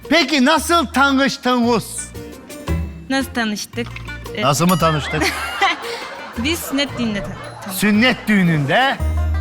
Peki nasıl tanıştınız? Nasıl tanıştık? Nasıl mı tanıştık? Biz sünnet düğününde tanıştık. Sünnet düğününde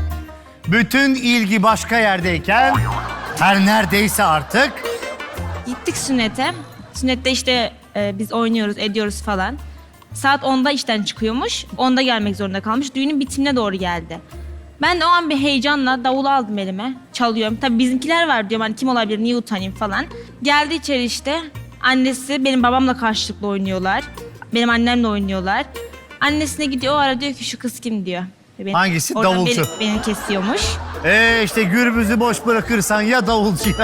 bütün ilgi başka yerdeyken her neredeyse artık Gittik sünnete. Sünnette işte biz oynuyoruz, ediyoruz falan. Saat 10'da işten çıkıyormuş. 10'da gelmek zorunda kalmış. Düğünün bitimine doğru geldi. Ben de o an bir heyecanla davulu aldım elime. Çalıyorum. Tabii bizimkiler var diyorum. Hani kim olabilir, niye utanayım falan. Geldi içeri işte. Annesi benim babamla karşılıklı oynuyorlar. Benim annemle oynuyorlar. Annesine gidiyor, o ara diyor ki şu kız kim diyor. Beni, Hangisi? oradan Davulcu. Beni kesiyormuş. işte gürbüzü boş bırakırsan ya davulcuya.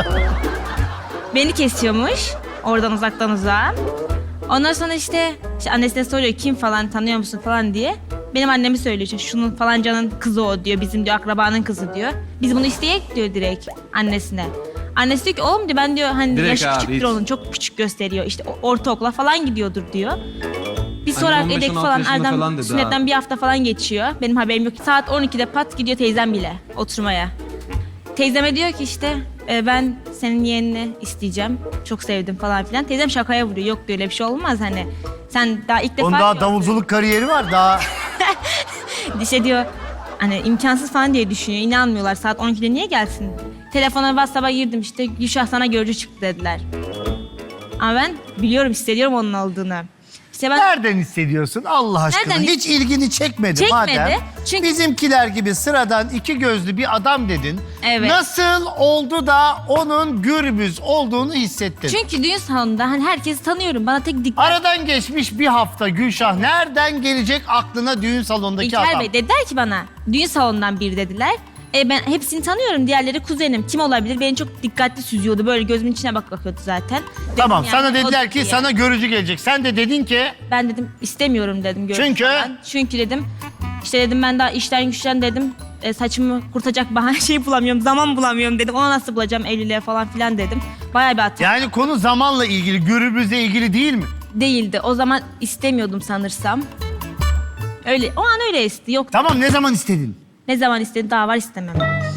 Beni kesiyormuş. Oradan uzaktan uzağa. Ondan sonra işte annesine soruyor kim falan tanıyor musun falan diye. Benim annemi söylüyor işte şunun falancanın kızı o diyor. Bizim diyor akrabanın kızı diyor. Biz bunu isteyek diyor direkt annesine. Annesi diyor ki oğlum diyor ben diyor hani Direkt yaşı abi, küçüktür hiç. onun çok küçük gösteriyor. İşte ortaokula falan gidiyordur diyor. Bir Hani sorarak 15-16 edek falan yaşında Erdem falan dedi sünnetten ha. bir hafta falan geçiyor. Benim haberim yok. Saat 12'de pat gidiyor teyzem bile oturmaya. Teyzeme diyor ki işte ben senin yeğenini isteyeceğim. Çok sevdim falan filan. Teyzem şakaya vuruyor. Yok diyor öyle bir şey olmaz hani. Sen daha ilk defa... Onun daha davulculuk kariyeri var daha. İşte diyor hani imkansız falan diye düşünüyor. İnanmıyorlar. Saat 12'de niye gelsin? Telefona WhatsApp'a girdim işte Gülşah sana görücü çıktı dediler. Ama ben biliyorum hissediyorum onun olduğunu. İşte ben Nereden hissediyorsun Allah aşkına? Nereden Hiç ilgini çekmedi, Çekmedi. madem. Çünkü- Bizimkiler gibi sıradan iki gözlü bir adam dedin. Evet. Nasıl oldu da onun gürbüz olduğunu hissettin? çünkü düğün salonunda hani herkesi tanıyorum. Bana tek dikkat... Aradan geçmiş bir hafta Gülşah. Nereden gelecek aklına düğün salonundaki İlker adam? Bey dediler ki bana düğün salonundan biri dediler. Ben hepsini tanıyorum. Diğerleri kuzenim. Kim olabilir? Beni çok dikkatli süzüyordu. Böyle gözümün içine bakıyordu zaten. Dedim Tamam yani, sana o dediler ki diye. sana görücü gelecek. Sen de dedin ki Ben dedim istemiyorum dedim. görüntü Çünkü? falan. Çünkü dedim işte dedim ben daha işten güçten dedim. Saçımı kurtacak bahane şey bulamıyorum. Zaman bulamıyorum dedim. Ona nasıl bulacağım evliliğe falan filan dedim. Bayağı bir hata yani konu zamanla ilgili, gürbüzle ilgili değil mi? değildi. O zaman istemiyordum sanırsam. Öyle o an öyle esti. Yok Tamam ne zaman istedin? ne zaman istedi daha var istemem.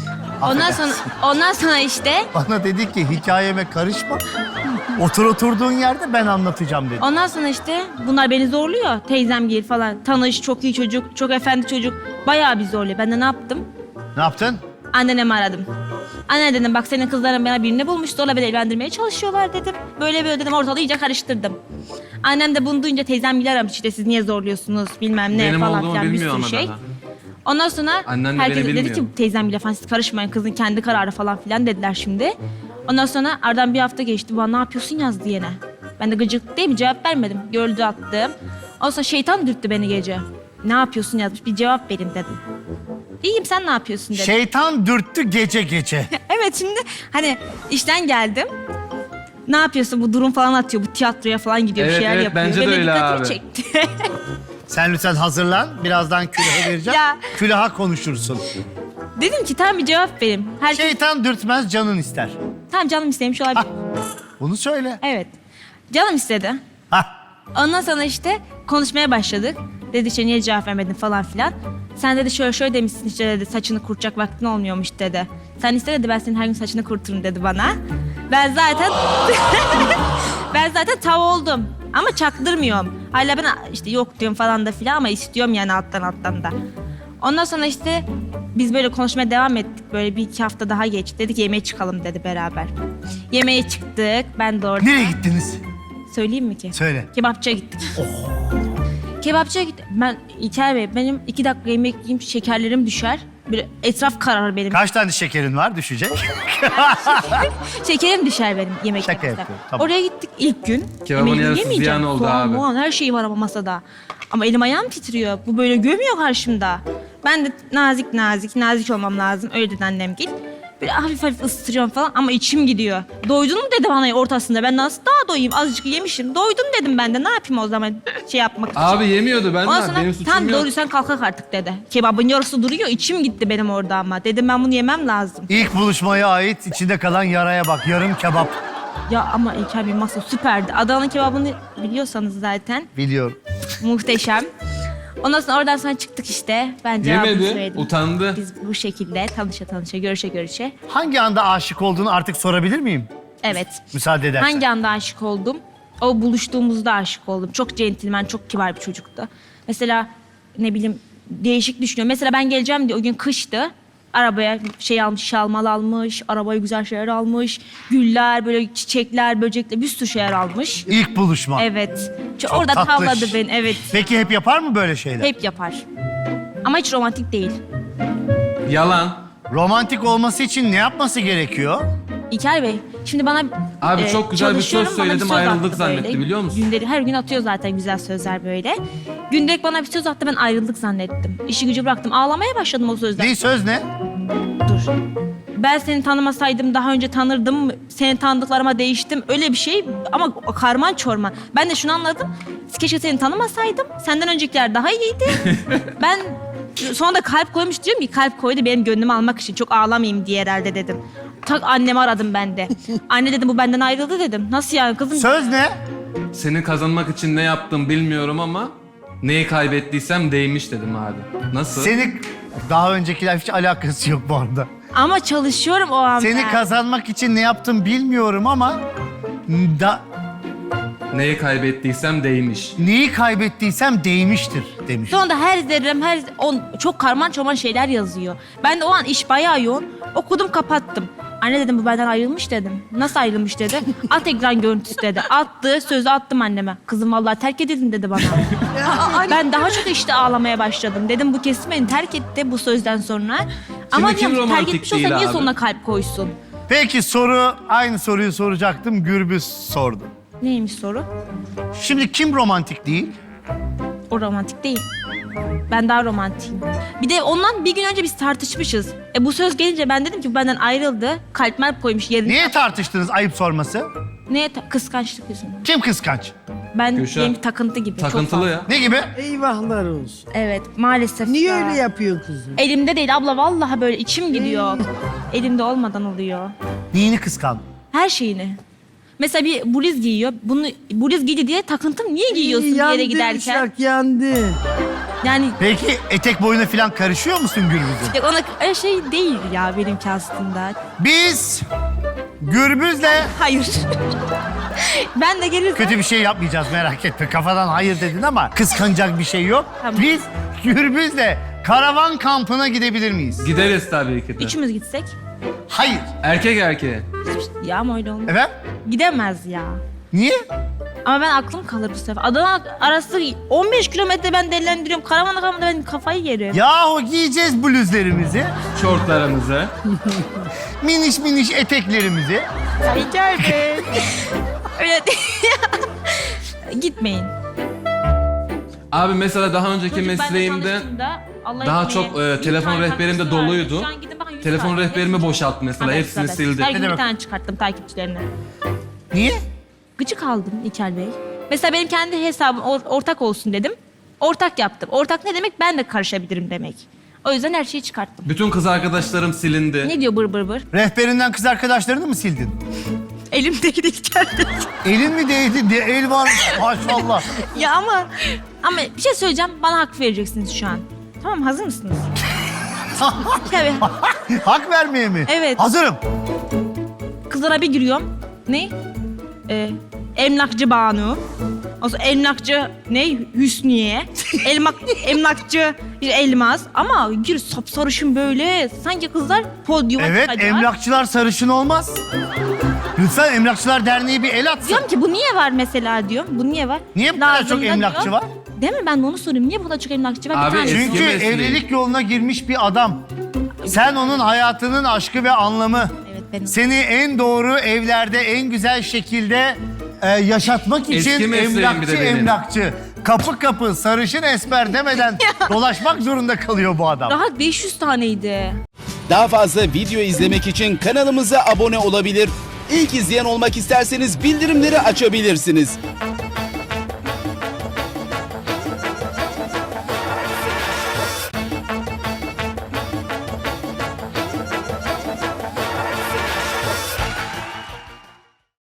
Ondan sonra işte Bana dedi ki hikayeme karışma. Oturduğun yerde ben anlatacağım dedi. ondan sonra işte bunlar beni zorluyor. Teyzem gel falan. Tanış, çok iyi çocuk, çok efendi çocuk. Bayağı bir zorluyor. Ben de ne yaptım? Ne yaptın? Annemi aradım. Anne dedim bak senin kızların bana birini bulmuş. Zorla beni evlendirmeye çalışıyorlar dedim. Böyle böyle dedim ortalığı iyice karıştırdım. Annem de bunu duyunca teyzem bile aramış işte siz niye zorluyorsunuz bilmem ne Benim falan olduğumu filan bir bilmiyor sürü ama şey. daha. Ondan sonra Annen de herkes beni dedi ki bilmiyor. teyzem bile falan siz karışmayın kızın kendi kararı falan filan dediler şimdi. Ondan sonra aradan bir hafta geçti. Bana ne yapıyorsun yazdı yine. Ben de gıcık değil mi cevap vermedim. Gördü attım. Ondan sonra şeytan dürttü beni gece. Ne yapıyorsun yazmış bir cevap verin dedim. İyiyim sen ne yapıyorsun dedim. Şeytan dürttü gece gece. Evet şimdi hani işten geldim. Ne yapıyorsun bu durum falan atıyor. Bu tiyatroya falan gidiyor bir Evet, şeyler evet, yapıyor. bence de Benim öyle dikkatimi abi. çekti. Sen lütfen hazırlan. Birazdan külaha vereceğim. Ya. Külaha konuşursun. Dedim ki tamam bir cevap verin. Herkes Şeytan dürtmez canın ister. tamam canım istemiş olabilir. Bunu söyle. Evet. Canım istedi. Hah. Ondan sonra işte konuşmaya başladık. Dedi işte niye cevap vermedin falan filan. Sen dedi şöyle şöyle demişsin işte dedi saçını kurutacak vaktin olmuyormuş dedi. Sen iste dedi ben senin her gün saçını kuruturum dedi bana. Ben zaten ben zaten tav oldum ama çaktırmıyorum. Hala ben işte yok diyorum falan da filan ama istiyorum yani alttan da. Ondan sonra işte biz böyle konuşmaya devam ettik. Böyle bir iki hafta daha geçti. Dedik yemeğe çıkalım dedi beraber. Yemeğe çıktık. Ben de orada. Nereye gittiniz? Söyleyeyim mi ki? Söyle. Kebapçıya gittik. Kebapçıya gittik. Ben İlker Bey benim 2 dakika yemek yiyeyim şekerlerim düşer. Böyle etraf kararır benim. Kaç tane şekerin var düşecek? Şekerim düşer benim yemek Şaka yemekten. yapıyorum, tamam. Oraya gittik ilk gün. Kebabın Yemeği yarısı yemeyeceğim. ziyan oldu Soğan, abi. muğan, her şey var ama masada. Ama elim ayağım titriyor. Bu böyle gömüyor karşımda. Ben de nazik olmam lazım. Öyle dedi annem git. Böyle hafif hafif ısıtırıyorum falan ama içim gidiyor. Doydun mu dedi bana ortasında. Ben nasıl daha doyayım? Azıcık yemişim. Doydum dedim ben de. Ne yapayım o zaman şey yapmak için. Abi yemiyordu ben Ondan de. sonra Benim suçum tam yok. doğru sen kalkak artık dedi. Kebabın yarısı duruyor. İçim gitti benim orada ama. Dedim ben bunu yemem lazım. İlk buluşmaya ait içinde kalan yaraya bak. Yarım kebap. Ya ama İlker Bey masa süperdi. Adana'nın kebabını biliyorsanız zaten Biliyorum. muhteşem. Ondan sonra oradan sonra çıktık işte. Ben cevabını Yemedi, söyledim. utandı. Biz bu şekilde tanışa görüşe. Hangi anda aşık olduğunu artık sorabilir miyim? Evet. Müsaade edersen. Hangi anda aşık oldum? O buluştuğumuzda aşık oldum. Çok centilmen, çok kibar bir çocuktu. Mesela ne bileyim değişik düşünüyorum. Mesela ben geleceğim diye o gün kıştı. Arabaya şey almış, şalmal almış, arabaya güzel şeyler almış. Güller, böyle çiçekler, böcekler, bir sürü şeyler almış. İlk buluşma. Evet. Çok Orada tatlış. tavladı beni, evet. Peki hep yapar mı böyle şeyler? Hep yapar. Ama hiç romantik değil. Yalan. Romantik olması için ne yapması gerekiyor? İlker Bey, şimdi bana Abi çok güzel bir söz çalışıyorum, bana söyledim, söz ayrıldık attı zannetti, böyle. biliyor musun? Günleri, her gün atıyor zaten güzel sözler böyle. Gündelik bana bir söz attı, ben ayrıldık zannettim. İşi gücü bıraktım, ağlamaya başladım o sözden. Ne söz ne? Dur. Ben seni tanımasaydım daha önce tanırdım, seni tanıdıklarıma değiştim. Öyle bir şey ama karman çorman. Ben de şunu anladım, keşke seni tanımasaydım, senden öncekiler daha iyiydi. Ben sonra da kalp koymuş diyorum ki kalp koydu benim gönlümü almak için, çok ağlamayayım diye herhalde dedim. Tak annemi aradım ben de. Anne dedim bu benden ayrıldı dedim. Nasıl yani kızım? Söz ne? Seni kazanmak için ne yaptım bilmiyorum ama neyi kaybettiysem değmiş dedim abi. Nasıl? Seni daha öncekiler hiç alakası yok bu arada. Ama çalışıyorum o an Seni ben. kazanmak için ne yaptım bilmiyorum ama Neyi kaybettiysem değmiş. neyi kaybettiysem değmiştir demiş. Sonunda her zerrem, çok karman çorman şeyler yazıyor. Ben de o an iş bayağı yoğun. Okudum kapattım. Anne dedim bu benden ayrılmış dedim. Nasıl ayrılmış dedi. At ekran görüntüsü dedi. Attı, sözü attım anneme. Kızım vallahi terk edildin dedi bana. Ben daha çok işte ağlamaya başladım. Dedim bu kesin beni terk etti bu sözden sonra. Ama kim diyorum terk romantik etmiş olsa değil niye abi? sonuna kalp koysun? Peki aynı soruyu soracaktım. Gürbüz sordu. Neymiş soru? Şimdi kim romantik değil? O romantik değil. Ben daha romantiyim. Bir de ondan bir gün önce biz tartışmışız. Bu söz gelince ben dedim ki bu benden ayrıldı. Kalp merp koymuş yerine. Niye tartıştınız ayıp sorması? Kıskançlık yüzünden. Kim kıskanç? Ben Gülşen, benimki takıntı gibi. çok Takıntılı fazla. ya. Ne gibi? Eyvahlar olsun. Evet maalesef. Niye ya. öyle yapıyorsun kızım? Elimde değil abla vallahi böyle içim gidiyor. Elimde olmadan oluyor. Neyini kıskandın? Her şeyini. Mesela bir bluz giyiyor. Bunu bluz giydi diye takıntım. Niye giyiyorsun bir yere giderken? Uşak yandı. Yani Peki etek boyuna falan karışıyor musun Gürbüz'ün? ona öyle şey değil ya benimki aslında. Biz Gürbüz'le Hayır. Ben de gelirken kötü bir şey yapmayacağız merak etme. Kafadan hayır dedin ama kıskanacak bir şey yok. Tamam. Biz Gürbüz'le karavan kampına gidebilir miyiz? Gideriz tabii ki de. üçümüz gitsek. Hayır. Erkek erkeğe. Ya ama öyle olmaz. Efendim? Gidemez ya. Niye? Ama ben aklım kalır bu sefer. Adana arası 15 kilometre ben delendiriyorum. Karavana kalmadı ben kafayı yerim. Yahu giyeceğiz bluzlarımızı, Şortlarımızı. miniş miniş eteklerimizi. Rica ederim. Öyle Gitmeyin. Abi mesela daha önceki Çocuk benimle mesleğimde tanıştığında, Allah daha etmeye, çok bir telefon tane rehberim de takipçisi vardı. doluydu. Şu an gidin bakın 100 Telefon tane. rehberimi boşalttı mesela. Evet, Hepsini evet. sildi. Her Ne gün bir demek? tane çıkarttım takipçilerine. Niye? Gıcık aldım İlker Bey. Mesela benim kendi hesabım ortak olsun dedim. Ortak yaptım. Ortak ne demek? Ben de karışabilirim demek. O yüzden her şeyi çıkarttım. Bütün kız arkadaşlarım silindi. Ne diyor bır bır bır? Rehberinden kız arkadaşlarını mı sildin? Elimdeki de İlker Bey. Elin mi değdi? El var maşallah. Ya ama bir şey söyleyeceğim. Bana hak vereceksiniz şu an. Tamam mı? Hazır mısınız? Tabii. Hak vermeye mi? Evet. Hazırım. Kızlara bir giriyorum. Ne? Emlakçı Banu. O sonra emlakçı ne? Hüsniye. Emlakçı Elmas. Ama gir sapsarışın böyle. Sanki kızlar podyuma Evet, çıkacak. emlakçılar sarışın olmaz. Lütfen Emlakçılar Derneği bir el atsın. Diyorum ki bu niye var mesela diyorum. Bu niye var? Niye bu kadar Lazım çok da emlakçı diyor. var? Değil mi? Ben de onu soruyorum. Niye bu kadar çok emlakçı var? Abi, Bir tane. eski Çünkü mesleği. evlilik yoluna girmiş bir adam. Sen onun hayatının aşkı ve anlamı. Evet benim. Seni en doğru evlerde en güzel şekilde yaşatmak Eski için mesleğim bir emlakçı de benim. emlakçı. Kapı kapı sarışın esmer demeden dolaşmak zorunda kalıyor bu adam. Rahat 500 taneydi. Daha fazla video izlemek için kanalımıza abone olabilir. İlk izleyen olmak isterseniz bildirimleri açabilirsiniz.